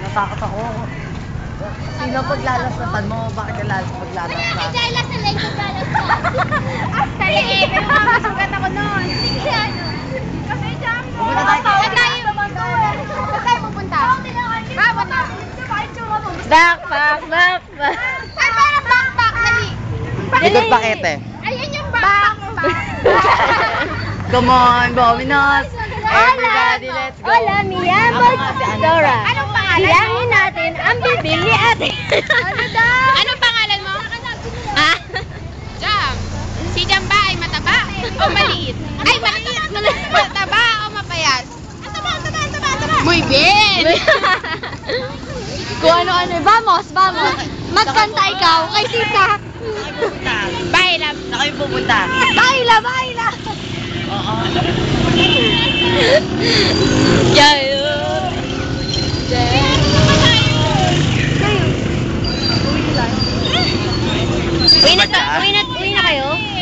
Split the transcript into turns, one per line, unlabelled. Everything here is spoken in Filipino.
Natakot ako. Sino paglalasatan mo? Bakit ka paglalasatan?
Ay, dahil last na leg ko lalasatan. Kali eh, pero masugat ako noon. Sige, ano? Kasi jam ko.
Pupunta tayo.
Saan tayo pupunta?
Backpack.
Ay, parang backpack, dali.
Likod pakete.
Ayan yung backpack.
Come on, Bominos! Everybody, let's go!
Hola, mi amo Dora.
Anong pangalan mo?
Bilangin natin ang bibili ate.
Ano daw? Anong pangalan mo?
Ha?
Jam. Si Jam ba ay mataba o maliit? Ay, maliit. Mataba o mapayat? Mataba. Muy bien.
Kung ano-ano. Vamos. Magkanta ikaw kay tita.
Baila.
Saan kayo pupunta?
Baila.
Oo.
Yayo. Uwi na kayo?